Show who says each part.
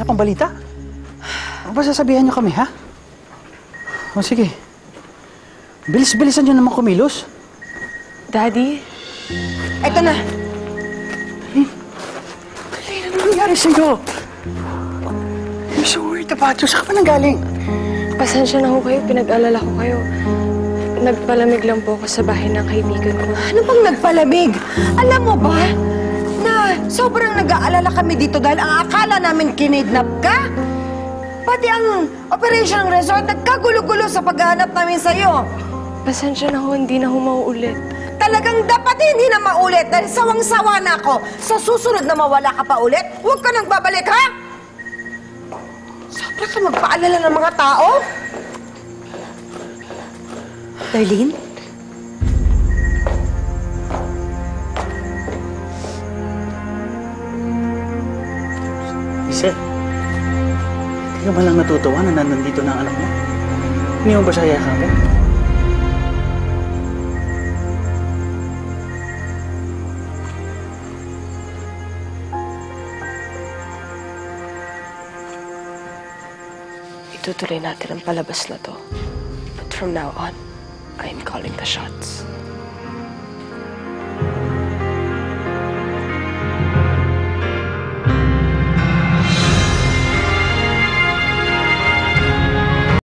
Speaker 1: wala pang balita? Ano ba sasabihan niyo kami, ha? O sige. Bilis-bilisan niyo naman kumilos.
Speaker 2: Daddy?
Speaker 3: Eto na.
Speaker 1: Ano nangyari sa'yo? I'm so worried about you. Saan ka pa nanggaling?
Speaker 2: Pasensya na ho kayo. Pinag-alala ko kayo. Nagpalamig lang po ako sa bahay ng kaibigan ko.
Speaker 3: Ano bang nagpalamig? Alam mo ba na sobrang nag-aalala kami dito dahil ang akala namin kinidnap ka? Pati ang operation ng resort nagkagulo-gulo sa paghahanap namin sa'yo.
Speaker 2: Pasensya na ho. Hindi na ho mauulit.
Speaker 3: Talagang dapat hindi na maulit dahil sawang-sawa na ako. Sa susunod na mawala ka pa ulit, huwag ka nang babalik, ha? Sobra ka magpaalala ng mga tao. Darlene?
Speaker 1: Isel, hindi ka ba lang natutuwa na nandito na ang anak mo? Hindi mo ba siya yakapin?
Speaker 2: Itutuloy natin ang palabas na to. But from now on, I am calling the shots.